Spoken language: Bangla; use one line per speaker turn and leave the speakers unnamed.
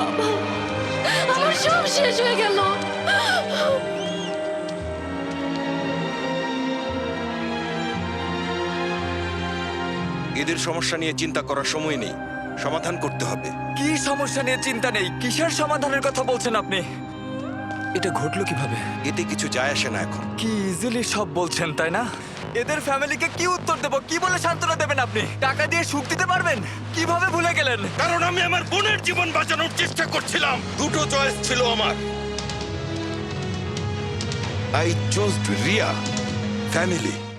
আমার সব শেষ হয়ে গেল।
এদের সমস্যা নিয়ে চিন্তা করার সময় নেই, সমাধান করতে হবে।
কি সমস্যা নিয়ে চিন্তা নেই? কিসের সমাধানের কথা বলছেন আপনি? এটা ঘটলো কিভাবে?
এতে কিছু যায় আসে না এখন।
কি ইজিলি সব বলছেন, তাই না? এদের ফ্যামিলিকে কি উত্তর দেব? কি বলে সান্ত্বনা দেবেন আপনি? টাকা দিয়ে সুখ দিতে পারবেন? কিভাবে ভুলে গেলেন?
কারণ আমি আমার বোনের জীবন বাঁচানোর চেষ্টা করছিলাম। দুটো চয়েস ছিল আমার। I choose Riya, family.